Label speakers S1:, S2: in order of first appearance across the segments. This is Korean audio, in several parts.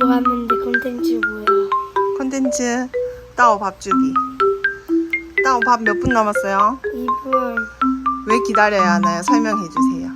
S1: 뭐 하는데 콘텐츠 뭐야?
S2: 컨텐츠 따오 밥 주기. 따오 밥 몇 분 남았어요?
S1: 2분
S2: 왜 기다려야 하나요? 설명해 주세요.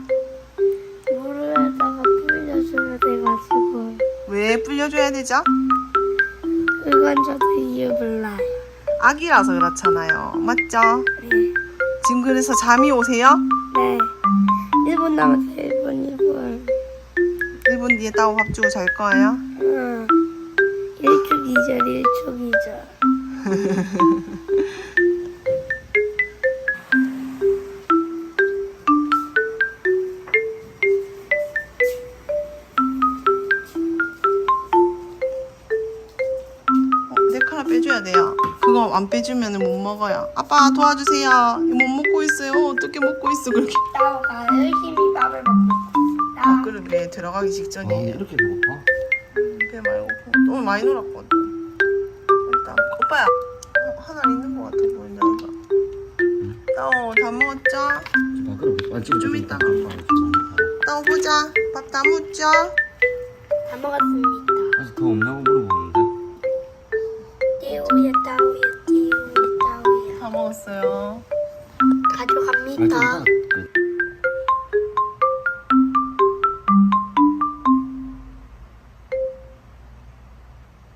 S1: 물에다가 불려줘야 돼가지고
S2: 왜 불려줘야 되죠?
S1: 그건 저도 이유 몰라요.
S2: 아기라서 그렇잖아요. 맞죠?
S1: 네.
S2: 지금 그래서 잠이 오세요?
S1: 네. 1분 남았어요. 1분.
S2: 1분 뒤에 따오 밥 주고 잘 거예요?
S1: 응. 1초 2절 1초 2절.
S2: 내 하나 빼줘야 돼요. 그거 안 빼주면 못 먹어요. 아빠 도와주세요. 이거 못 먹고 있어요. 어떻게 먹고 있어 그렇게.
S1: 따오가 열심히 밥을 먹고 있어.
S2: 아 그러게 들어가기 직전이에요.
S3: 이렇게 배고파?
S2: 배 말고 너무 많이 놀았거든. 일단 오빠야 하나 있는 것 같아 보인다 이거. 따오 다 먹었죠? 좀 이따가. 따오 보자. 밥 다 묻죠?
S1: 다 먹었습니다.
S3: 그래서 더 없냐고 물어보는데
S1: 띠우야 따우야 띠우야 따우야.
S2: 다 먹었어요.
S1: 가져갑니다.